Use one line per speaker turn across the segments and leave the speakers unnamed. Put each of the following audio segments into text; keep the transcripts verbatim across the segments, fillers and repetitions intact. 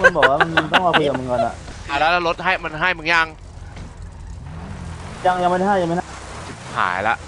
มันบอกว่ามันต้องมาคุยกับมึงก่อนอะ
อ่ะแล้วรถให้มันให้มึงยัง
ยังยังไม่ได้ยังไม่ได้
หายละ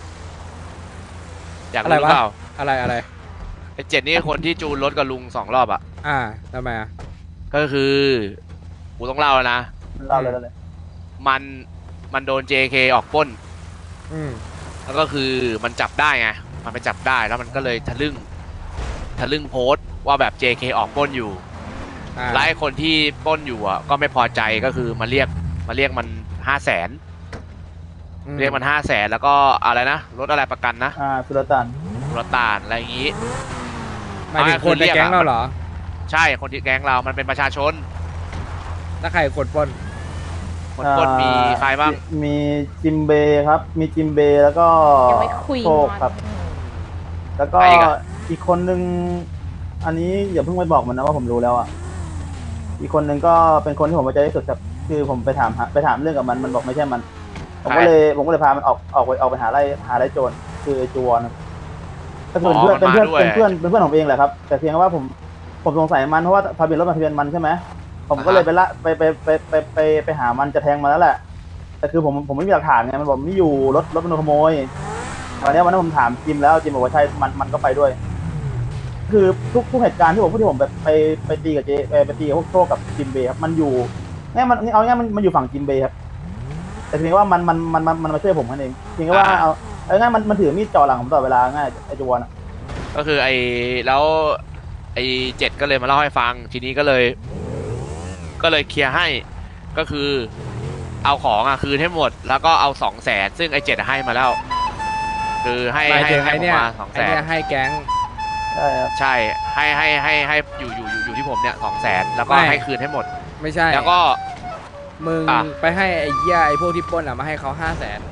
อยากรู้หรือเปล่า
อะไรอะไร
ไอ้เจ็ดนี่คนที่จูนรถกับลุงสองรอบอ่ะ
อ่าทำไมอ่ะ
ก็คือกูต้องเล่านะ
เล่าเลยเลย
มันมันโดน เจ เค ออกปล้น
อืม
แล้วก็คือมันจับได้ไงมันไปจับได้แล้วมันก็เลยทะลึ่งทะลึ่งโพสต์ว่าแบบ เจ เค ออกปล้นอยู่และไอ้คนที่ปล้นอยู่อ่ะก็ไม่พอใจก็คือมาเรียกมาเรียกมันห้าแสนเรียกมันห้าแสนแล้วก็อะไรนะรถอะไรประกันนะ
อ่าสุลต่าน
สุลต่านอะไรอย่างงี้
หมายถึงคนในแก๊งเราเหรอ
ใช่คนที่แก๊งเรามันเป็นประชาชน
ถ้าใครคนปล้น
คนปล้นมีใครบ้าง
มีจิมเบครับมีจิมเบแล้วก็โชคครับแล้วก็อีกคนนึงอันนี้อย่าเพิ่งไปบอกมันนะว่าผมรู้แล้วอ่ะอีกคนนึงก็เป็นคนที่ผมไว้ใจที่สุดครับคือผมไปถามไปถามเรื่องกับมันมันบอกไม่ใช่มันผมก็เลยผมก็เลยพามันออกออกไปออกไปหาไล่หาไล่โจรคือไอ้จวนก็คือเพื่อนเป็นเพื่อนเป็นเพื่อนเป็นเพื่อนของเองแหละครับแต่เพียงว่าผมผมสงสัยมันเพราะว่าทะเบียนรถมันทะเบียนมันใช่ไหมผมก็เลยไปละไปไปไปไปไปไปหามันจะแทงมาแล้วแหละแต่คือผมผมไม่มีหลักฐานไงมันบอกไม่อยู่รถรถมันโดนขโมยวันนี้วันนั้นผมถามจิมแล้วจิมบอกว่าใช่มันมันก็ไปด้วยคือทุกทุกเหตุการณ์ที่ผมพูดที่ผมแบบไปไปตีกับเจไปตีกับพวกโชคกับจิมเบครับมันอยู่ง่ายมันเอาง่ายมันมันอยู่ฝั่งจิมเบครับแต่เพียงว่ามันมันมันมันมันมาช่วยผมนั่นเองเพียงว่าเอาเอาง่ายมันมันถือมีดจ่อหลังผมตลอดเวลาง่ายไอ้จวนอ่ะ
ก็คือไอ้แล้วไอ้เจ็ดก็เลยมาเล่าให้ฟังทีนี้ก็เลยก็เลยเคลียร์ให้ก็คือเอาของอ่ะคืนให้หมดแล้วก็เอาสองแสนซึ่งไอ้เจ็ดให้มาแล้วคือให้ให้ให้ผมมาสองแสน
ให้แก๊ง
ใช่ครับ
ใช่ให้ให้ให้ให้อยู่อยู่อยู่อยู่ที่ผมเนี่ยสองแสนแล้วก็ให้คืนให้หมด
ไม่ใช่
แล้วก็
มึงไปให้ไอ้เหี้ยไอ้พวกที่ปล้นอ่ะมาให้เขาห้าแสน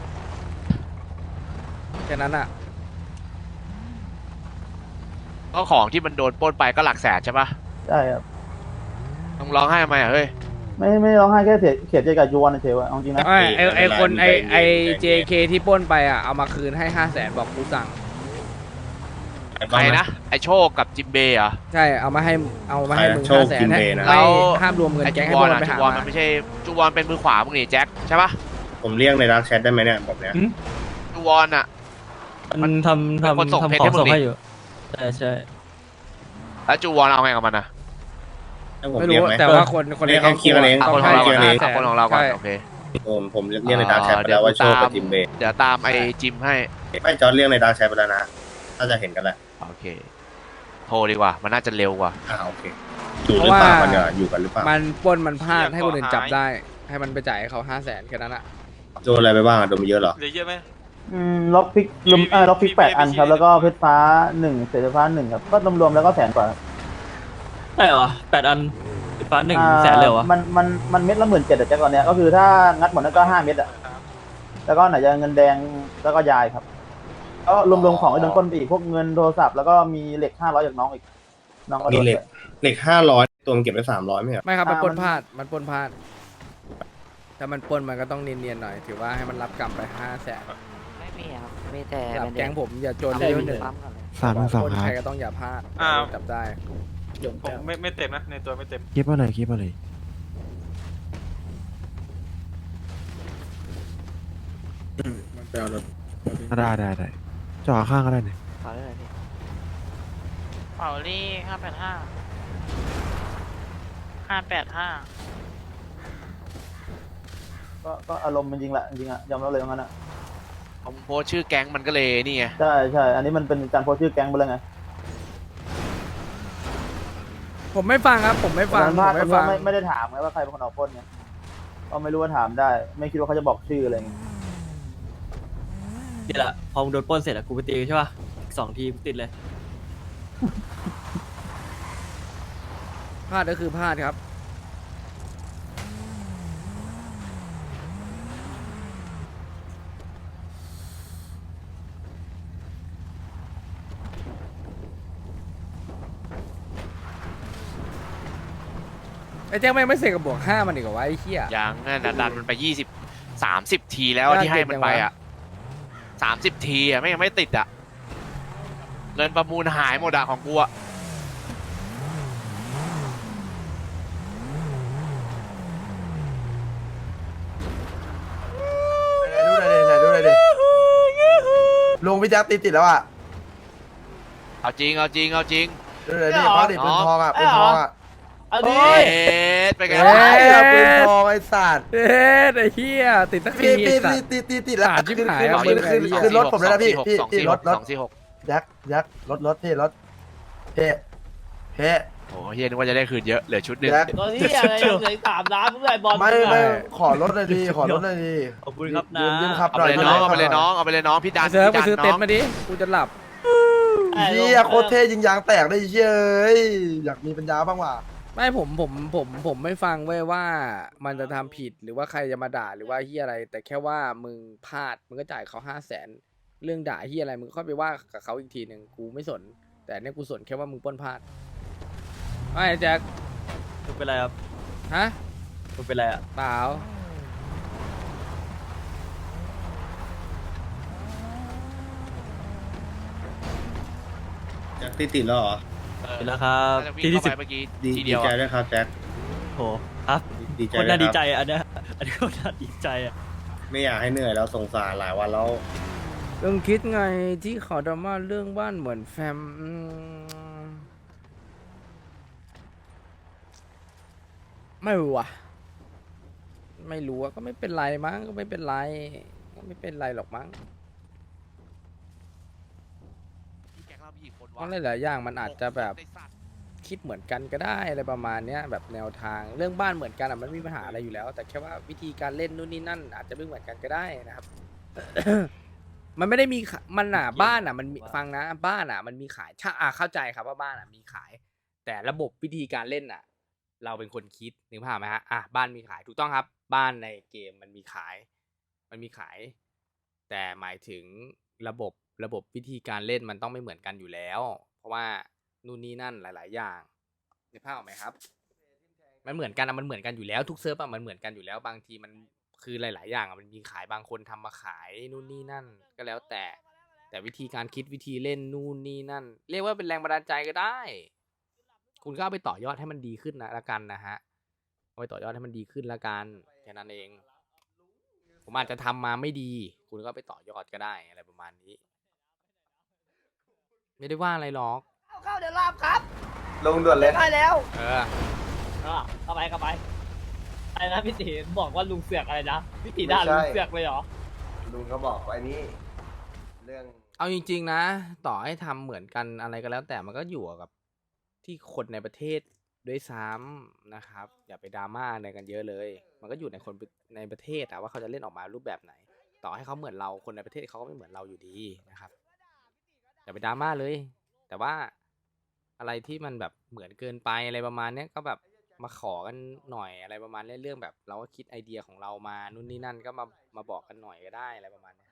แค่นั้นอ่ะ
ก็ของที่มันโดนปล้นไปก็หลักแสนใช่ปะ
ใช่ครับ
ต้องร้องไห้ทำไมอ่ะเฮ้ย
ไม่ไม่ร้องไห้แค่เสียเสียใจกับจวนเฉยๆเอาจริงนะ
ไอไอไอคนไอไอเจเคที่ปล้นไปอ่ะเอามาคืนให้ห้าแสนบอกกูสั่ง
ใครนะไอโชคกับจิมเบย์อ่ะ
ใช่เอามาให้เอามาให้มึงห้าแสนให้แล้วห้ามรวมเงินแก๊งให้บอลไปหา
มันไม่ใช่จูวอนเป็นมือขวามึงนี่แจ็คใช่ปะ
ผมเรียกในดักแชทได้ไหมเนี่ยแบบเนี้ย
จูวอนอ่ะ
มันทำทำทำของส่งให้อยู่ใช่ใช่
แล้วจูวอนเอาไงกับมันอ่ะ
ไม่รู้แต่ว่าคนคน
ในเขาเคลียร์เอง
คนของเราก่อนคนของเราก่อนโอเค
ผมผมเรียกในดักแชทไปแล้วว่าโชคกับจิมเบย์
เดี๋ยวตามไอจิมให้
ไม่จอร์ดเรียกในดักแชทไปแล้วนะน่าจะเห็นกันแหละ
โอเคโทรดีกว่ามันน่าจะเร็วกว่า
อ่าโอเคอยู่หรือเปล่ามันเนี่ยอยู่กันหรือเปล่า
มันปล้นมันพลาดให้คนอื่นจับได้ให้มันไปจ่ายเขาห้าแสนแค่นั้นอะ
โดนอะไรไปบ้างโดนเยอะเหรอ
เยอะไหม
อืมล็อกพิกลมเออล็อกพิกแปดอันครับแล้วก็เพชรฟ้าหนึ่งเศษฟ้าหนึ่งครับก็รวมๆแล้วก็แสนกว่า
ใช่เหรอแปดอันฟ้าหนึ่งแสนเร็วอ่ะ
มันมันมันเม็ดละหมื่นเจ็ดแต่ตอนเนี้ยก็คือถ้างัดหมดนั้นก็ห้าเม็ดอ่ะแล้วก็ไหนจะเงินแดงแล้วก็ยายครับก็รวมๆของไอ้โดนก้นไปอีกพวกเงินโทรศัพท์แล้วก็มีเหล็กห้าร้อยจากน้องอีกน้องก็
มีเหล็กเหล็กห้าร้อยตัวมันเก็บไปสามร้อยไหมครับ
ไม่ครับมันปนพลาดมันปนพลาดถ้ามันปนมันก็ต้องเนียนๆหน่อยถือว่าให้มันรับกรรมไปห้าแสน
ไม่มีครับมีแต่
แก๊งผมอย่าจนเยอะหนึ่ง
สามสองครับ
ใครก็ต้องอย่าพลาดจับได้
ผมไม่ไม่เต็มนะในตัวไม่เต็ม
คิดว่าไหนคิดว่าไหน
มันไปเอารถ
ได้ได้ได้จ่อข้างก็ได้เนี่ย
เป่าได้เลยพี่
เป่าลี่ห้าแปดห้าห้าแปดห้า
ก็ก็อารมณ์มันจริงแหละจริงอะยอมรับเลยว่างั้นอะ
ผมโพสชื่อแก๊งมันก็เลยนี่ไง
ใช่ใช่อันนี้มันเป็นการโพสชื่อแก๊งไปแล้วไง
ผมไม่ฟังครับผมไม่ฟัง
ผมไม่ฟังไม่ได้ถามไงว่าใครเป็นคนออกพ้นเนี่ยก็ไม่รู้ว่าถามได้ไม่คิดว่าเขาจะบอกชื่ออะไรเงี้ย
เดี๋ยวละพอมึงโดนปล้นเสร็จอะกูไปตีใช่ป่ะสองทีติดเลย
พลาดก็คือพลาดครับไอ้แจ็คไม่ไม่เสกกับบวกห้ามันอีกเหรอวะไอ้เหี้ย
ยังนั่นนะดันมันไปยี่สิบสามสิบทีแล้วที่ให้มันไปอ่ะสามสิบทีอ่ะไม่ยังไม่ติดอ่ะเงินประมูลหายหมดอ่ะของกูอ่ะ
พี่แจ็คตีติดแล้วอ่ะ
เอาจริงเอาจริงเอาจริง
เดี๋ยวนี่เขาติดปืนทองอ่ะปืนทองอ่ะ
เอาดิ
เอ๊ะเป็นไง
เอ้ยเอาปืนทองไอ้สัตว์
เอ๊ะไอ้เหี้ยติดสักที
พี่
ไอ้
พี่
สั
พี่
ตว์
ตีตีตีแล้ว
ขาดชิบหาย
ขึ้น
เอา
ขึ้น
ไป
ขึ้น
เลย
ขึ้นรถผมเลยนะพี่พี่
สอง
พี่
สี่
ร
ห
ถ
ก
รถ
สองสี่หก
แจ็คแจ็ครถรถพี่รถเพ่เพ่
โอ้เฮียนึกว่าจะได้คืนเยอะเหลือชุดหนึ่ง
แจ็ค
ตอนนี้อะไรเหลือสามล้านเพื่อนบอล
ไม่ไม่ขอรถเลยดีขอรถเลยดี
ขอบคุณครับนะ
ยืมยืมขับ
เอา
หน่
ไป
อย
เลยน้องเอาไปเลยน้องเอาไปเลยน้องพี่ดัน
เซิร์ฟไป
พี่ดัน
ซื้อ
น้
เต็น
อง
ท์มาดิกูจะหลับ
เฮียโคตรเท่ยิงยางแตกได้เชี่ยเอ้ยอยากมีปัญญาบ้างว่ะ
ไม่ผมผมผมผมไม่ฟังเว้ยว่ามันจะทำผิดหรือว่าใครจะมาด่าหรือว่าเฮียอะไร แต่แค่ว่ามึงพลาดมึงก็จ่ายเขาห้าแสนเรื่องด่าเฮียอะไรมึงค่อยไปว่ากับเขาอีกทีหนึ่งกูไม่สน แต่เนี่ยกูสนแค่ว่ามึงปล้นพลาดไอ้แจ็ค
มึงเป็นไรครับ
ฮะ
มึงเป็นไรอ่ะ
เปล่า
แจ็คตีติดแล้วเหรอ
เป็นแล้วครับ
น่าจะวิ่ง
ที่ที่
เข้า
สิบ
ไปเมื่อกี้
ดี
ที
ดี
เดียว
ใจ
อะ
ด้วยครับแจ็ค
โหครับ
ดีใจ
คน
ด้ว
น่าย ดี
ครับ
ใจอันเนี้ยอันนี้คนน่าดีใจอ่ะ
ไม่อยากให้เหนื่อยแล้วสงสารหลายวันแล้ว
เรื่องคิดไงที่ขอดราม่าเรื่องบ้านเหมือนแฟมอืมไม่รู้อ่ะไม่รู้อะก็ไม่เป็นไรมั้งก็ไม่เป็นไรก็ไม่เป็นไรหรอกมั้ง
พี่แก๊งเรามีกี่คน
เพ
วะ
ราะหลายๆอย่างมันอาจจะแบบ
ไอ้สัตว์
คิดเหมือนกันก็ได้อะไรประมาณเนี้ยแบบแนวทางเรื่องบ้านเหมือนกันอ่ะมันไม่มีปัญหาอะไรอยู่แล้ว แต่แค่ว่าวิธีการเล่นนู่นนี่นั่น อาจจะไม่เหมือนกันก็ได้นะครับ มันไม่ได้มีขะมันอ่ะบ้านอ่ะมันมีฟังนะบ้านอ่ะมันมีขายถ้าอ่ะเข้าใจครับว่าบ้านอ่ะมีขาย แต่ระบบวิธีการเล่นอ่ะ เราเป็นคนคิดนึกภาพไหมฮะอ่ะบ้านมีขายถูกต้องครับ บ้านในเกมมันมีขาย มันมีขาย แต่หมายถึงระบบระบบวิธีการเล่นมันต้องไม่เหมือนกันอยู่แล้ว เพราะว่านู่นนี่นั่นหลาย ๆ อย่างนึกภาพออกไหมครับ มันเหมือนกันอะมันเหมือนกันอยู่แล้วทุกเซิร์ฟอะมันเหมือนกันอยู่แล้วบางทีมันคือหลาย ๆ อย่างอะมันมีขายบางคนทำมาขายนู่นนี่นั่น ก็แล้วแต่ แต่วิธีการคิดวิธีเล่นนู่นนี่นั่น เรียกว่าเป็นแรงบันดาลใจก็ได้ คุณก็เอาไปต่อยอดให้มันดีขึ้นนะละกันนะฮะเอาไปต่อยอดให้มันดีขึ้นละกันแค่นั้นเอง ผมอาจจะทำมาไม่ดี คุณก็ไปต่อยอดก็ได้อะไรประมาณนี้ ไม่ได้ว่าอะไรหรอก
เข้าเดี๋ยวลาบครับ
ลงด่วนเลย
ได้แล้ว
เออ
อ่ะเข้าไปเข้าไปอะไรนะพี่ตีบอกว่าลุงเสือกอะไรนะพี่ตีด่าลุงเสือกเลยเหรอ
ลุงเขาบอกไว้นี่เรื่อง
เอาจริง ๆ นะ ต่อให้ทำเหมือนกันอะไรก็แล้ว แต่มันก็อยู่กับที่คนในประเทศด้วยซ้ำนะครับ อย่าไปดราม่าอะไรกันเยอะเลย มันก็อยู่ในคนในประเทศอะว่าเขาจะเล่นออกมารูปแบบไหน ต่อให้เขาเหมือนเราคนในประเทศเขาก็ไม่เหมือนเราอยู่ดีนะครับ อย่าไปดราม่าเลย แต่ว่าอะไรที่มันแบบเหมือนเกินไปอะไรประมาณเนี้ยก็แบบมาขอกันหน่อยอะไรประมาณเนี้ยเรื่องแบบเราก็คิดไอเดียของเรามานู่นนี่นั่นก็มามาบอกกันหน่อยก็ได้อะไรประมาณเนี้ย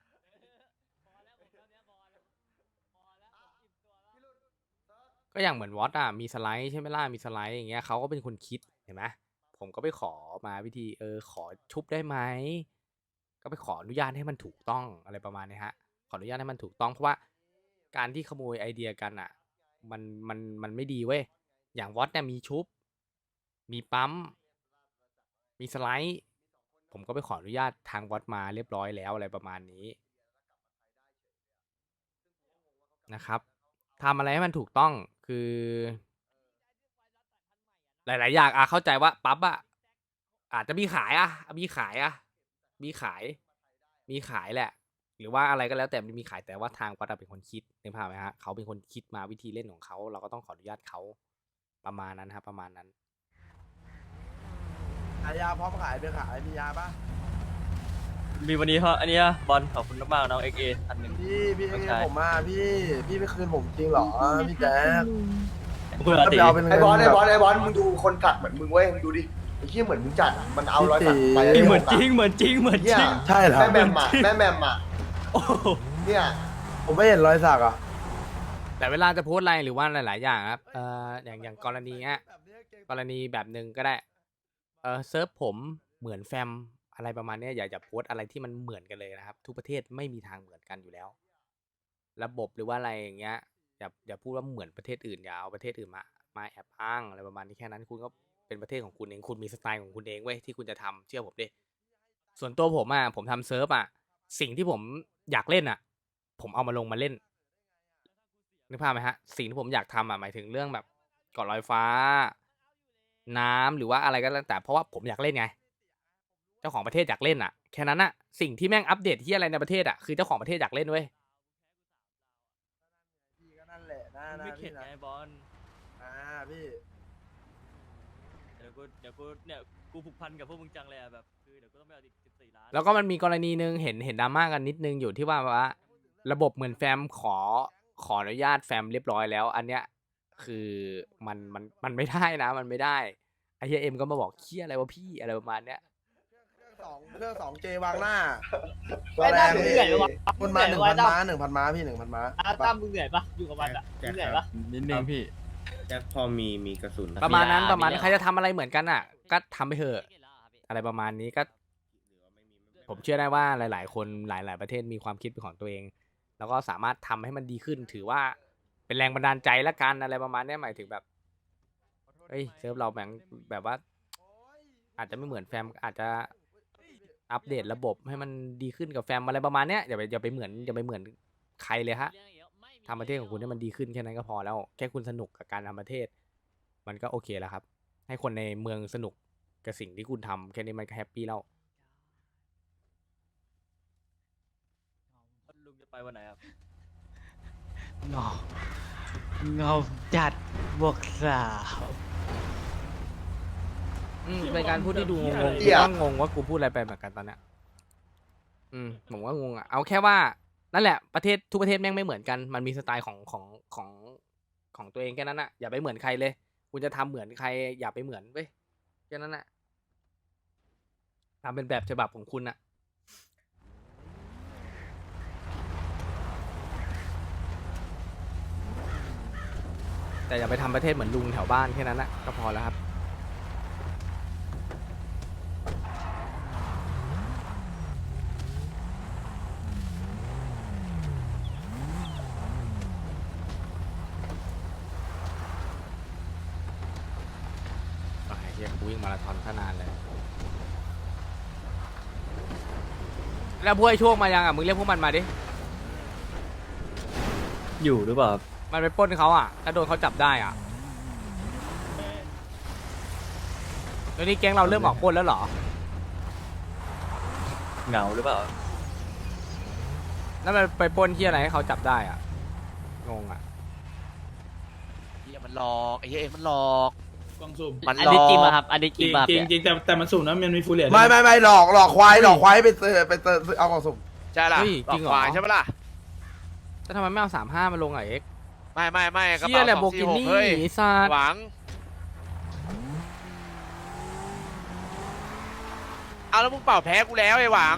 ก็อย่างเหมือนวอตอ่ะมีสไลด์ใช่ไหมล่ะมีสไลด์อย่างเงี้ยเขาก็เป็นคนคิดเห็นไหมผมก็ไปขอมาวิธีเออขอชุบได้ไหมก็ไปขออนุญาตให้มันถูกต้องอะไรประมาณนี้ฮะขออนุญาตให้มันถูกต้องเพราะว่าการที่ขโมยไอเดียกันอ่ะ มันมันมันไม่ดีเว้ย อย่างวอตเนี่ยมีชุบ มีปั๊ม มีสไลด์ ผมก็ไปขออนุญาตทางวอตมาเรียบร้อยแล้วอะไรประมาณนี้นะครับทำอะไรให้มันถูกต้องคือ หลาย ๆ อย่างอ่ะเข้าใจว่าปั๊บอ่ะอาจจะมีขายอ่ะมีขายอ่ะมีขาย มีขายแหละ หรือว่าอะไรก็แล้วแต่มันมีขายแต่ว่าทางวัดเป็นคนคิดนึกภาพไหมฮะเขาเป็นคนคิดมาวิธีเล่นของเขาเราก็ต้องขออนุญาตเขาประมาณนั้นครับประมาณนั้น
ขายยาพร้อมขายไปขายมียาปะ
มีวันนี้เขาอันเนี้ยบอลขอบคุณมากๆน้องเอ็กเออันหนึ่ง
พี่พี่
ไม่
ให้
ใช่
ผมมาพี่พี่ไม่คืนผมจริงเหรอพี่แจ๊ค
เพื่อ
ถ้า
ตี
ไปเอาเป็น
ไอ้บอลไอ้บอล
เงิน
ไอ้บอลมึงดูคนตัดเหมือนมึงเว้ยมึงดูดิไอ้เหี้ยเหมือนมึงจัดอะมันเอาร้อยสักไป
เอ้ยเหมือนจริงเหมือนจริงเหมือนจ
เหี้ย
ริง
ใช่เหรอ
แม่แมมอ่ะแม่แมมอ่ะ
โอ้โห
เนี่ย
ผมไม่เห็นรอยสักอ่ะ
แต่เวลาจะโพสต์อะไรหรือว่าหลาย ๆ อย่างครับเอ่ออย่างอย่างกรณีเนี้ยกรณีแบบหนึ่งก็ได้เออเซิร์ฟผมเหมือนแฟมอะไรประมาณเนี้ยอย่าอย่าโพสต์อะไรที่มันเหมือนกันเลยนะครับ ทุกประเทศไม่มีทางเหมือนกันอยู่แล้ว ระบบหรือว่าอะไรอย่างเงี้ยอย่าอย่าพูดว่าเหมือนประเทศอื่นอย่าเอาประเทศอื่นมามาแอบอ้างอะไรประมาณนี้แค่นั้นคุณก็เป็นประเทศของคุณเองคุณมีสไตล์ของคุณเองเว้ยที่คุณจะทำเชื่อผมดิส่วนตัวผมอ่ะผมทำเซิร์ฟอ่ะสิ่งที่ผมอยากเล่นอ่ะผมเอามาลงมาเล่นนึกภาพไหมฮะสิ่งที่ผมอยากทำอ่ะหมายถึงเรื่องแบบเกาะลอยฟ้า น้ำหรือว่าอะไรก็แล้วแต่เพราะว่าผมอยากเล่นไงเจ้าของประเทศอยากเล่นอ่ะแค่นั้นอ่ะสิ่งที่แม่งอัปเดตที่อะไรในประเทศอ่ะคือเจ้าของประเทศอยากเล่นเว้ย
พี่ก็นั่นแหละนะ
มึง
นะ
ไม่เข็
พี่
ด
นะ
ไงบอล
อ่าพี่
เดี๋ยวกูเดี๋ยวกูเนี่ยกูผูกพันกับพวกมึงจังเลยอะแบบคือเดี๋ยวกูต้องไปเอาอีกสิบสี่ล้าน
แล้วก็มันมีกรณีหนึ่งเห็นเห็นดราม่ากันนิดนึงอยู่ที่ว่าว่าระบบเหมือนแฟมขอขออนุญาตแฟมเรียบร้อยแล้ว อันเนี้ยคือมันมันมันไม่ได้นะ มันไม่ได้ไอเฮียเอ็มก็มาบอกเคี้ยอะไรวะพี่อะไรประมาณเนี้ย
เครื่องสองเครื่องสองเจวางหน้า
ไอ้ตั้มมึงเหนื่อยปะวะ
คนมาหนึ่ง
ไอ้
พัน
ตั้ม
ม้าหนึ่งพันม้าพี่หนึ่งพันม้า
อ่ะตั้มมึงเหนื่อยปะอยู่กับมันอ่ะมึงเหนื่อยปะ
นิดนึงพี่
แจ็คพอมีมีกระสุน
ประมาณนั้นประมาณนั้นใครจะทำอะไรเหมือนกันอ่ะ ก็ทำไปเถอะอะไรประมาณนี้ก็ ผมเชื่อได้ว่าหลาย ๆ คนหลาย ๆ ประเทศมีความคิดเป็นของตัวเอง แล้วก็สามารถทำให้มันดีขึ้น ถือว่าเป็นแรงบันดาลใจละกันอะไรประมาณเนี้ยหมายถึงแบบเฮ้ยเซิร์ฟเราแบบแบบว่า อาจจะไม่เหมือนแฟมอาจจะอัปเดตระบบให้มันดีขึ้นกับแฟมอะไรประมาณเนี้ยอย่าไปอย่าไปเหมือนอย่าไปเหมือนใครเลยฮะทำประเทศของคุณให้มันดีขึ้นแค่นั้นก็พอแล้วแค่คุณสนุกกับการทำประเทศ มันก็โอเคแล้วครับ ให้คนในเมืองสนุกกับสิ่งที่คุณทำแค่นี้มันก็แฮปปี้แล้ว
ลุงจะไปวันไหนครับ
เงาเงาจัดบวกสาว
อืมเป็นการพูดที่ดูงงๆ
เหี้
กู
ย
ก็งงว่ากูพูดอะไรไปเหมือนกันตอนเนี้ยอืมผมก็งงอ่ะเอาแค่ว่านั่นแหละประเทศทุกประเทศแม่งไม่เหมือนกันมันมีสไตล์ของของของของตัวเองแค่นั้นอ่ะอย่าไปเหมือนใครเลย คุณจะทำเหมือนใครอย่าไปเหมือนเว้ยแค่นั้นอ่ะทำเป็นแบบฉบับของคุณอ่ะแต่อย่าไปทำประเทศเหมือนลุงแถวบ้านแค่นั้นนะก็พอแล้วครับไอ้เหี้ยกูวิ่งมาราธอนขนาดเลยแล้วพวกไอ้ช่วงมายังอ่ะมึงเรียกพวกมันมาดิ
อยู่หรือเปล่า
มันไปปล้นเขาอ่ะถ้าโดนเขาจับได้อ่ะตอนนี้แก๊งเราเริ่มออกปล้นแล้วเหรอ
เหงาหรือเปล่า
แล้วมันไปปล้นที่อะไรให้เขาจับได้อ่ะ งงอ่ะ
เฮียมันหลอกไอ้เฮียเอ็มมันหลอก
กล่องสุ่ม
มัน
อัน
หล
นี้
อก
จริงป่ะครับ อันนี้จ
จ
ริ
ริ
ง
ง
ป่ะ
จริงจริงแต่แต่มันสุ่มนะมันมีฟูลเหรียญ
ไม่ไม่ไม่หลอกหลอกควายหลอกควายไปเตอไปเตอเอากล่องสุ่ม
ใช่ล่ะ
เฮ้ย
หล
จริ
อก
งเหรอ
ควายใช่ปะล่ะ
แล้วทำไมไม่เอาสามห้ามาลงอ่ะเอ็กซ์
ไม่ไม่ไม่กระ
เชี่ย
เป๋า
แหละ
ส
โบ
อง
กิ
สี่หก
นี่
เฮ้ย
ไอ้สัตว์
หวังเอาแล้วมึงเป่าแพ้กูแล้วไอ้หวัง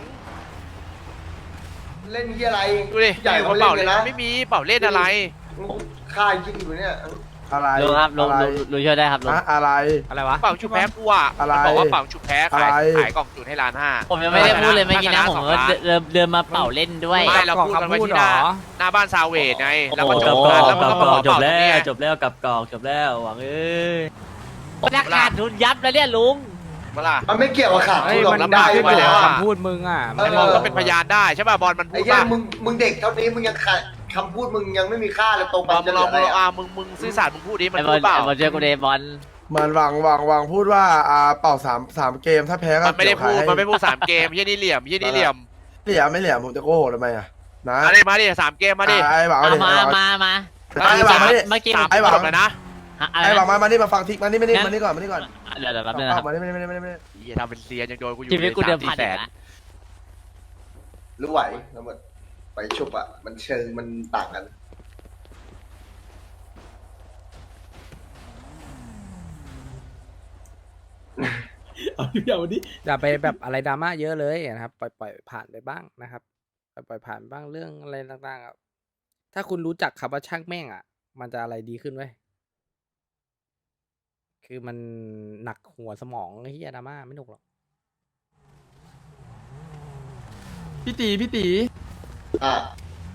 เล่นที่อะไร
ดูดิ
ใหญ่
ก
เขา
ระ
เล่
เป๋าน
เล
เลย
ยนะ
ไม่มีเป่าเล่นอะไร
ค่ายิงอยู่เนี่ย
อะไร
ลุงครับลุง
อะไร
ลุงลุงช่วยได้ครับลุง
อะอะไร
อะไรวะ
เป่าชุบแพ้กูอ่ะ
อะไร
มันบอกว่าเป่าชุบแพ้ขาย
อะไร
ขายกล่องจุดให้ล้านห้า
ผมยังไม่ได้พูดเลยเมื่อกี้นะ
ถ้าชนะ
ผม
สอง
ก็
ล้าน
เดินเดินมาเป่าเล่นด้วย
ไม่เราพูดกันไว้ที่หน้า
เหรอ
หน้าบ้านซาวเวดไงแล้วมัน
โอ้
จ
โห
บกันแล้วมัน
กับ
ก็
ก
มา
อ
ขอก
จ
เป่า
บ
ตรง
แล้
เนี้
วย จบแล้วกับกอกจบแล้วหวังเอ้ย
ราคาทุนยับแล้วเนี่ยลุง
เมื่อล่ะ
มันไม่เกี่ยวกับขาด
เฮ้
ทุ
ย
นหรอก
มัน
มัน
ได้
ได้
ขึ้น
ไว้
อยู่
แล้ว
กับ
อะ
คำพูดมึงอ่ะ
เออ
ไอ้บอลก็เป็นพยานได้ใช่ป่ะบอลมันพู
ไอ้
ด
เหี้ย
ป่ะ
มึงมึงเด็กเท่านี้มึงยังขาดคำพูดมึงยังไม่มีค่าเลยตรง
บ
ไป
อลมึ
จะ
ง
เห
ล
ลื
อง
ออะไร
มึงลอง
อะ
อ่ะมึงมึงซื่อสัตย์มึงพูดดิมัน
ไอ้บ
พู
อล
ดเปล่า
ไอ้บอลช่วยกูเดบอล
เหมือนหวังหวังหวังพูดว่าอ่าเป่าสามสามเกมถ้าแพ้ก็
มันไม่ได้
เกี่ยว
พูด
ขาย
มันไม่พูดสามเกมยี่นี่เหลี่ยมยี่นี่เหลี่ยม
เหลี่ยมไม่เหลี่ยมผมจะโกหกทำไมอ่ะนะ
มาดิมาดิสามเกมมาดิ
อ่ะไอ้หวังเอา
เอา
ดิ
มา
ไอ้หวัง
มามา
ไอ้หวังมาดิ
เมื่อกี้
สาม
ไอ้หวัง
จบเลยนะ
อะไร
ไอ้หวัง
นะ
มามานี่มาฟังทิกมานี่มานี่มานี่ก่อนมานี่ก่อน
เดี๋ยวเดี๋ยวแป๊บนึง
เอา
นะครับ
มานี่มานี่มานี่มานี่มานี่
อย่าทำเป็นเซียนยังโดนกูอยู่
ชีวิตกูเดิมพัน
แส
อีก
น
แล้ว
รู้ไหวแล้วมันไปชุบอะมันเชิงมันต่างกัน
เอาดิเอาดิ
อย่าไปแบบอะไรดราม่าเยอะเลยนะครับปล่อยปล่อยผ่านไปบ้างนะครับปล่อยปล่อยผ่านบ้างเรื่องอะไรต่างๆอะถ้าคุณรู้จักคำว่าช่างแม่งอ่ะ มันจะอะไรดีขึ้นเว้ยคือมันหนักหัวสมองไอ้เหี้ยดราม่าไม่หนุกหรอก
พี่ตีพี่ตี
อ่ะ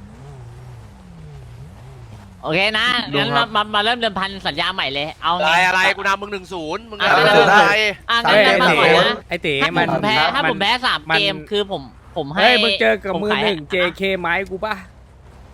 โอเคนะ งั้น
ลุงครั
มา
บ
มามาเริ่มเดิมพันสัญญาใหม่เลย เอา
อะไร
ไง
อะไรกูนำมึงหนึ่งศูนย์มึง
อ่ะ
อะไร
ได้
อะไร
อ่ะงั้น
ไอ้
งั้นมาก่อน
เต๋
นะ
ไอ้เต๋
ถ้า
มัน
ผมแพ้ถ้าผมแพ้สาม
มัน
เกมคือผมผมให้
เฮ้ยมึงเจอกับ
ผ
มือ
ขาย
หนึ่ง เจ เค ไม้กูป่ะ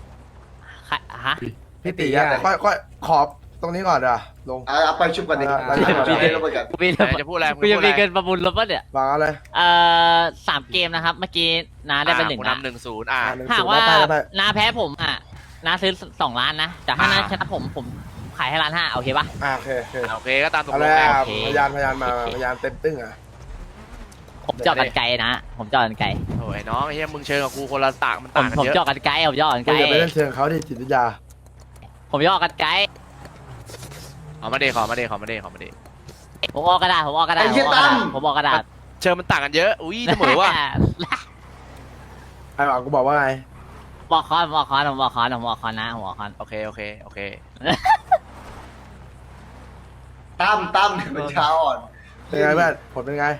ฮะ
พี่ตีอะแต่ค่อยค่อยขอบตรงนี้ก่อนเดี๋ยวลง
อ่ะไปชุบกันดิ
อ่ะ
ไปชุบกันดิแล้วไปกัน
กูมี
ไหนจะพูดอะไรมึง
กู
จะ
ยัง
พูด
มี
อะไร
เงินประมูลรถปะเนี่ย
วางเอาเลย
เอ่อสามเกมนะครับ เมื่อกี้น้าได้เป็นหนึ่ง
อ่ะกู
นะ
นำหนึ่งศูนย์อ่ะ
อ่ะหนึ่ง
หาก
ศูนย์
ว่า
ได้ได้ได้
น้าแพ้ผมอ่ะน้าซื้อสองล้านนะแต่ถ้าน้า
อ่า
ชนะผมผมขายให้ล้านห้าโอเคปะ
อ่าโอเคโอเค
โอเคก็ตามตก
เอา
ล
เล
ง
ย
ไง
อ่ะ
โอเค
พยานพยานมาพยานเต็มตึ้งอ่ะ
ผมเจาะกันไกลนะ ผมเจาะกันไกล
โอ้ยน้องไอ้เหี้ยมึงเชิญกับกูคนละต่างมัน
ผม
ต่างกัน
ผม
เยอะ
เจาะกันไกลผมเจาะกันไก
กู
ล
อย่าไปเล่นเชิงเขาดิจิตวิทยา
ผมเจาะกันไกล
ขอมาเดขอมาเดขอมาเดขอมาเด
ผมออกกระดาษผมออกกระดาษ
ไอ้
ผม
เหี้ย
ออกกระดาษ
ตั้ม
ผมออกกระดาษ
เชิญมันต่างกันเยอะอุ้ยเสมอว่ะ
ไอ้หวังกูบอกว่าไง
บอกคอนบอกคอนผมบอกคอนผมบอกคอนนะผมบอกคอน
โอเคโอเคโอเค
ตั้มตั้มเป็นเช้าอ่อน
เป็นไงเพื่อนผลเป็นไง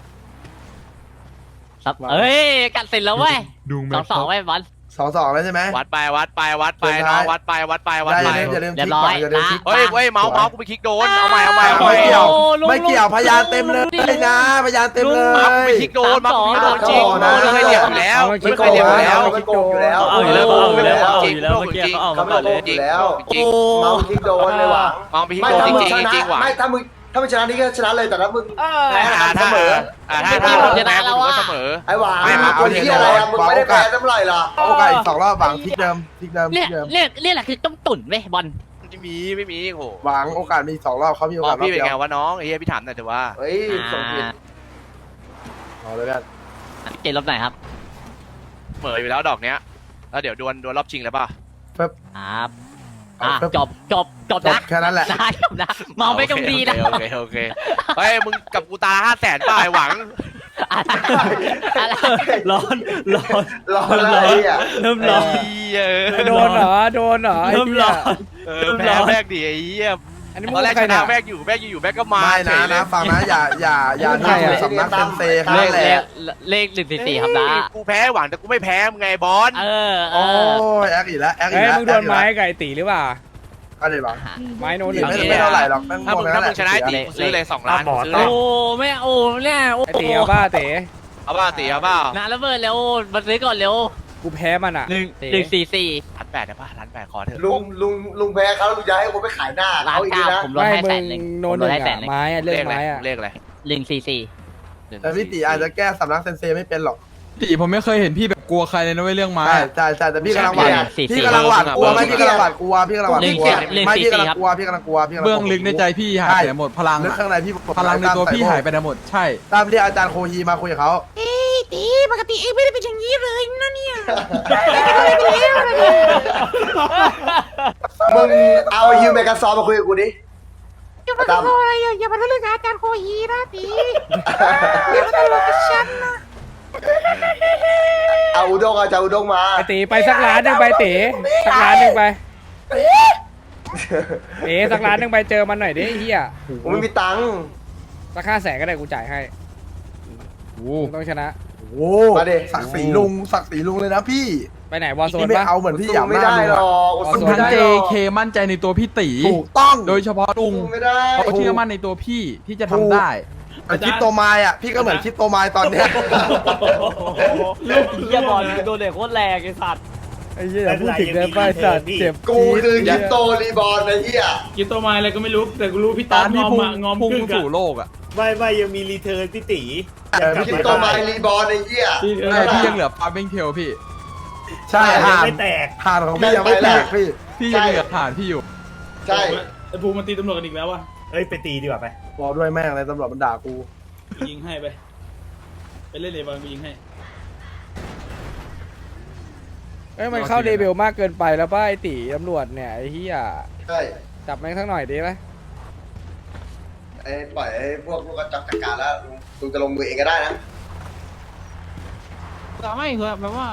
ครับเอ้ยกัดเสร็จแล้วเว้ยสองสองเว้ยบอล
สองสองแล้วใช่ไหม
วัดไปวัดไปวัดไป
สุด
น้
ท้า
อย งวัดไปวัดไปวัด
ได้
ไป
อย่าลืมอย่าลืม
เรี
ค
ย
ลิ
บ
ก
ร้
ก่
อ
อย นอย่าลืมคลิก
เฮ้ยเฮ้ยเมาส์เมาส์กูไปคลิกโดนเอาใหม่เอาใหม่เอาให
ไม่
ม่
เกี่ยว
โอ้ลุง
ไม่เกี่ยว
ลุง
พยานเต็มเลยนะพยานเต็มเล
เมาส์กูไป
ย
คลิกโดนเมาส์กูไปคลิกโดนจริง
นะ
ไม่เคยเหลี่ยมอยู่แล้วไม่เคยเหลี่ยมอยู่แล้ว
มันโกงอยู่แล้ว
เอาอยู่แล้วเอาอยู่แล้วเอา
จริ
อง ยู่แล้วเมื่อกี้เขาเอา
เขา
มา
ไม่
ก่อน
โก
เลย
งอยู่แล้ว
จริง
เมาคิกโดนเลยหวัง
มองไปคลิก
ไม่
โดน
ถ้า
จ
มึง
ริง
ช
จริง
นะ
หวัง
ไม่ถ้ามึงถ้ามึงชนะนี่ก็ชนะเลยแต่ถ้ามึงแพ้
อ่า
เส
ถ้าม
อ
อ่าถ้าถ้ามึงแพ้กูก็เสมอ
ไอ้หวัง
ไม่มา
คนที่อะไรอะมึงไม่ได้แพ้เท่าไหร่หรอ
โอกาสอีกสองรอบหวังคลิกเดิมคลิกเดิมค
เรี
ลิ
ย
ก
ก
เดิม
เรียกเรียกแหละคือต้มตุ๋นเว้ยบอล
ไม่มีไม่มีโห
หวังโอกาสมีสองรอบเขามีโอ
มอก
าง สรอบ
พี่เป็น
เดีย
ไง
ว
วะน้องไอ้เหี้ยพี่ถามหน่อยเถอะว่า
เฮ้ยส่งผิด
เอาเลยกัน
เกมรอบไหนครับ
เสมออยู่แล้วดอกเนี้ยแล้วเดี๋ยวดวลดวลรอบชิงเลยป่ะ
ครับอ่ะจบจบจบ
จบ
นะ
แค่นั้นแหละ
ได้จบนะมองไปตรงดีนะ
โอเคโอเคโอเคเฮ้ยมึงกับกูตาห้าแสนป่ะไอ้หวัง
อะไรอะไร
ร้อนร้อน
รอแล้วไอ้อะ
เริ่มร้อน
ไอ้เหี้ย
โดนเหรอโดนเหรอไอ้
เริ่ม
เหี้
ร้
ย
อน
เออแพ้แม่งดิไอ้เหี้ย
อันนี้
ต
มึ
อน
ง
แรก
ใคร
ช
เนี่
นะ
ย
แม่งอยู่แม่งอยู่ๆแม่งก็มา
ไม่
เฉ
นะ
ยเลย
นะฟังนะอย่าอย่าอย่า
ใคร
ดู
อะ
สำนักเซนเซแค่
เล
นั้
ข
นแห
เล
ละ
ขเลขหนึ่งสี่สี่ครับนะ
กูแพ้หวังแต่กูไม่แพ้มึงไงบอล
เออเอ
โอ้
อย
แอคอีกแล้วแอคอี
เฮ้
ก
ย
แล้ว
มึงโดนไม้ไก่ตีหรือเปล่า
ก็เลยหวัง
ไม้โน้นห
ไม่
นึ่ง
ไม่เท่าไหร่หรอกแม่ง
ถ้า
โง่
มึง
แค่
ถ้า
นั้น
มึงชนะ
แหละ
ตีซื้อเลยสองล้านซื้อเล
โอ้
ย
ไม่โอ้เนี่ยโอ้
ไอตีเอาบ้าเต๋
เอาป่ะตีเอาเปล่า
นาระเบิดเร็วมาซื้อก่อนเร็ว
กูแพ้มันอ่ะ
หนึ่ง
เต๋
หนึ่งสี่สี่
ล้านแปดได้ป่ะล้านแปดขอเถอะ
ลุงลุงลุงแพ้เขาลุงจะให้ผมไปขายหน้า
ล้าน
เขาอีก
เก้า
นะ
ผมลด
ไม่
ให้
มึ
แส
ง
นหนึ่ง
โน
ผม
นห
ล
นึ่
ด
ง
ให้แสน
อะ
หนึ่ง
ไม้อะเรื่
เล
อง
ขอะไร
ไม้อะ
เลขอะไร
หนึ่งสี่สี่
หนึ่ง
แต่พี่ตีอาจจะแก้สำนักเซนเซไม่เป็นหรอก
ตีผมไม่เคยเห็นพี่แบบกลัวใครเลยนะเว้ยเรื่องไม้
ใช่
อะ
ใช่ใช่แต่พี่กำลังหวาด
สี่
พี่
สี่
กำลังหวาดกลัวไหมพี่กำลังหวาดกลัวพี่กำลังหวาดกลัว
เรื่อง
ไม่
สี่
พี่กำลัง
ครับ
กลัวพี่กำลังกลัวพี่กำลัง
เบื้องลึกในใจพี่หายไปไหนหมดพลัง
ลึก
อะ
ข้างในพี่
พลังในตัวพี่หายไปไหนหมดใช่
ตามที่อาจารย์โคฮีมาคุยกับเขา
ปกติเองไม่ได้เป็นอย่างนี้เลยนะเนี่ย
มึงเอาฮิวเมกาซอมาคุยกับกูดิ
อย่ามาทำอะไรอ่ะอย่ามาทะลึ่งอาจารย์โคฮีนะตีอย่ามาทะลึ่งกับฉันนะ
เอาอุด้งเอาจะอุด้งมา
ไอตีไปสักล้านหนึ่งไปเต๋สักล้านหนึ่งไปเต๋สักล้านหนึ่งไปเจอมันหน่อยดิไอ้เฮีย
ผมไม่มีตังค์
สักห้าแสนก็ได้กูจ่ายให้มึงต้องชนะ
โอ้ศักดิ์ศรีลุงศักดิ์ศรีลุงเลยนะพี่
ไปไหนวอลโซน
นี่ไม่
ปะ
เอาเหมือนพี่หยาม
ไม่
หน้า
ได้
ลุง
หร
อะ
อก
เอา
สู้
ส่ว
ไม่
ทั้ง
ได้
เจ
หรอก
เคมั่นใจในตัวพี่ตี
ถูกต้อง
โดยเฉพาะลุง
สู้ไม่ได้
เขาเชื่อมั่นในตัวพี่ที่จะทำได้
แต่คริปโตไมล์อ่ะพี่ก็เหมือนคริปโตไมล์ตอนเนี้ย
ลูกเหี้ยบอลโดนเด็กโคตรแรงไอ้สัตว์
ไอ้เหี้ยอย่าพูดถึงเลยป้าสัตว์เจ็บ
กู
จี๊ด
คือยิปโตรีบอลไอ้เหี้ย
กินตัวไม้อะไรก็ไม่รู้แต่กูรู้พี่ต๊อ
ตา
ด
ม
ง
ที่
อม
พุ่ง
อะงอม
พุ่ง
กึ่ง
สู่
อะ
โลกอ่ะ
ไม่ไม่ยังมีรีเทิร์นพี่ตี
เออ
ยิปโตไมรีบอลไอ้เหี้ย
ที่เออ
ใช่พี่ยังเหลือฟาร์มิงเทลพี่
ใช่ห่าน
ไม่แตก
ห่านของพี่ยังไม่แตกพี่
พี่ยังเหลือฐานพี่อยู่
ใช่
ไอ้ภูมิมันตีตำรวจกันอีกแล้ววะ
เอ้ยไปตีดีกว่าไป
บอกด้วยแม่งเลยตำรวจมันด่ากู
ยิงให้ไปไปเล่นเลยบอลกูยิงให้
เอ้ยมันเข้าเดเบลมากเกินไปแล้วป้าไอตีตำรวจเนี่ยไอ้เหี้ย
ใช่
จับแม่งสักหน่อยดีไหม
ไอ้ปล่อยไอ้พวกพวกกระจับจัดการแล้วลุงลุงจะลงมือเองก็ได้นะ
แต่ไม่คือแบบว่า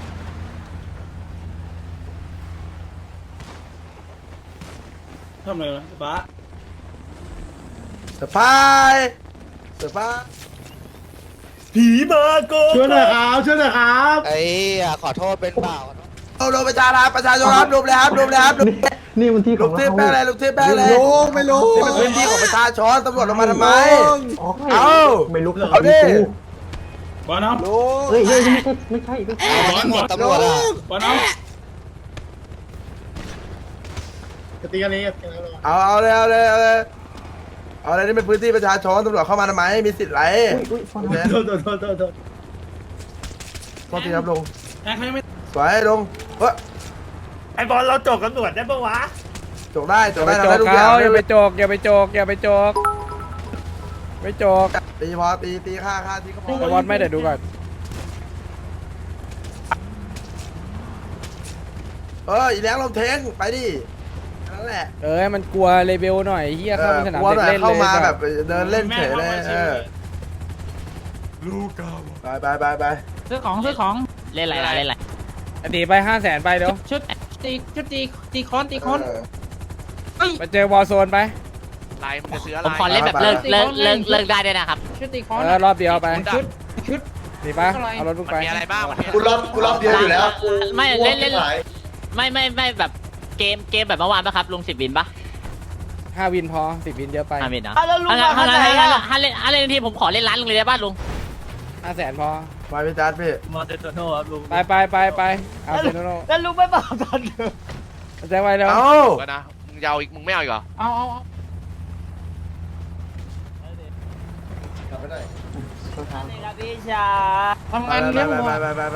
ทำอะไรวะป้า
เซอร์ไพรส์เซอร์ไพรส์
ผีมาโก
ช่วยหน่อยครับช่วยหน่อยครับ
ไอ้ขอโทษเป็นเปล่า
เอาดูประชาชนประชาชนครับดูเลยครับดูเลยครับนี่มันที่ของเราลูกเทพแป้งอะไรลูกเทพแป้งอะไรไม่รู้ไม่รู้นี่มันพื้นที่ของประชาชนตำรวจลงมาทำไมเอาไม่รู้เอาดิ
บอลน้อง
เฮ้ยเฮ้ย
บอลบอลตำรวจอะบอลน้องจะตีกันเอง
เอาเอาเลยเอาเลยเอาเลยเอาเลยนี่เป็นพื้นที่ประชาชนตำรวจเข้ามาทำไมมีสิทธิ์ไรโอเค
โทษโทษโทษโทษโทษ
โทษทีครับลุง
แอนเขายังไม่
สวยลุงเฮ้ย
ไอบอลเราจบตำรวจได้ปะวะ
จกได้จ
อก ย่า
ได้
ไป
ทำ
โจ
ได้
ก
ทุกอย่าง
เขาอย่าไปโจกอย่าไปโจกอย่าไปโจกไม่โจก
ตีพอตีตีฆ่าฆ่าที่ก็พอ
แต่วอดไม่เดี๋ยวดูก่อน
เอออีแรงลมเทงไปดินั่นแหละ
เออมันกลัวเลเวลหน่อยเฮียเข้าไปสนาม
กลัว
เด็
ห
ก
น่อย
เล่น
เข้า
เลย
มา
สั
แบ
ต
บ
ว์
เดินเล่นเฉยเลยเออไปไปไปไป
ซื้อของซื้อของ เล่นอะไรล่ะเล่นอะไร
อดีตไปห้าแสนไปเดี๋ยว
ชุดตีชุดตีตีคอนตีคอน
เออ
ไปเจอวอลโซนไป
ลายมันจะซื้ออะไร
ผมขอเล่นแบบเลิกเลิกเลิกเลิกได้ด้วยนะครับ ชุดตีคอน
เออรอบเดียวไป
ชุด
ชุด
ดีปะเอารถลูก
มัน
ไป
มีอะไรบ้างมันมี
กูรอบกูรอบเดียวอยู่แล้ว
ไม่เล่นเล่น
หาย
ไม่ไม่ไม่แบบเกมเกมแบบเมื่อวานปะครับลุงสิบวินปะ
ห้าวินพอสิบวินเยอะไป
ห้าวินนะถ้างั้นถ้างั้นถ้างั้นถ้าเล่นถ้าเล่นทีผมขอเล่นร้านลุงเลยได้ป่ะลุง
ห้าแสนพอ
ไปพี่จัดพี่
มอเตอร์โตโน่ครับลุง
ไปไปไปไปเอาเซโนโน
แล้วลุงไม่บอกตอนเดิม
แจ้งไว้เดี๋ยว
เอา
ก็นะมึงยาวอีกมึงไม่เอาอีกเหรอ
เอาเอาเอา
กลับไปได้
พี่ชา
ทำ
ไป
งาน
ไป
เลี้ยง
ไป
วัว
ไปไปไป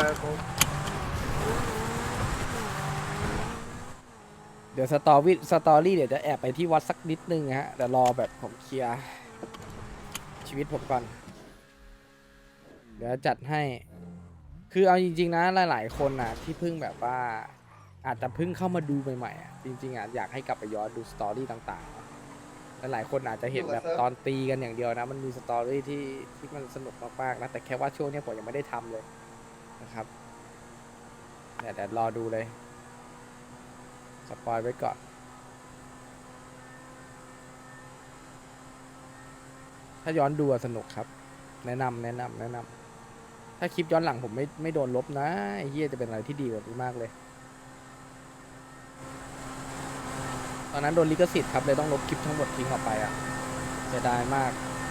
เดี๋ยวสตอรี่สตอรี่เดี๋ยวจะแอบไปที่วัดสักนิดนึงฮะเดี๋ยวรอแบบผมเคลียร์ชีวิตผมก่อน เดี๋ยวจัดให้ คือเอาจริงๆนะหลายๆคนนะที่เพิ่งแบบว่าอาจจะเพิ่งเข้ามาดูใหม่ๆอ่ะจริงๆอ่ะอยากให้กลับไปย้อนดูสตอรี่ต่างๆหลายๆคนอาจจะเห็นแบบตอนตีกันอย่างเดียวนะ มันมีสตอรี่ที่ที่มันสนุกมากๆนะแต่แค่ว่าช่วงนี้ผมยังไม่ได้ทำเลยนะครับเดี๋ยวเดี๋ยวรอดูเลยสปอยไว้ก่อน ถ้าย้อนดูอะสนุกครับ แนะนำแนะนำแนะนำถ้าคลิปย้อนหลังผมไม่ไม่โดนลบนะไอ้เฮียจะเป็นอะไรที่ดีกว่านี้มากเลย ตอนนั้นโดนลิขสิทธิ์ครับเลยต้องลบคลิปทั้งหมดทิ้งออกไปอ่ะเสียดายมาก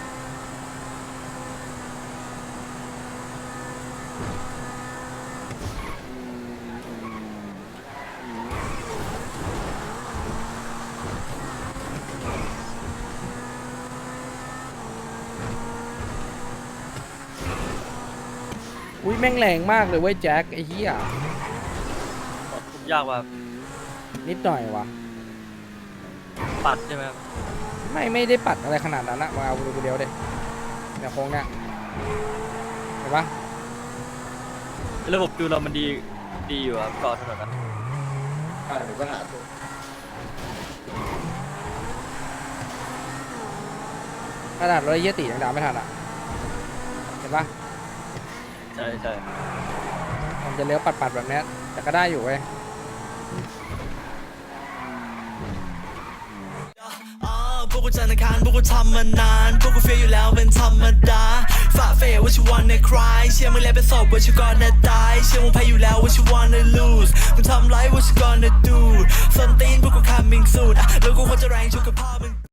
อุ้ยแม่งแรงมากเลยเว้ยแจ็คไอ้เหี้ย
ผมยากว่า
นิดหน่อยวะ
ปัดใช่ไหมครับ
ไม่ไม่ได้ปัดอะไรขนาดนั้นนะมาเอาดูเดียวเด็เนี่ยโค้งเนี่ยเห็นปะ
ระบบดูเรามันดีดีอยู่ครับก่อนถนนนั้น
อ่าเดี๋ยวก็หาตัว
ขนาดรถไอ้เหี้ยตียังดาวไม่ทันอ่ะเห็นปะ
ใช่ใช่
ผมจะเลี้ยวปัดๆแบบเนี้ยแต่ก็ได้อยู่เว้ย
พวกกูจันทร์อังคารพวกกูทำมานานพวกกูเฟียอยู่แล้วเป็นธรรมดาฝ่าเฟยว่าชิวันในคลายเชื่อมึงแล้วเป็นศพว่าชิวก่อนจะตายเชื่อมึงแพ้อยู่แล้วว่าชิวันใน lose มึงทำไรว่าชิวก่อนจะ do ส้นตีนพวกกู coming soon อ่ะแล้วกูควรจะแรงชุกกับพ่อมึง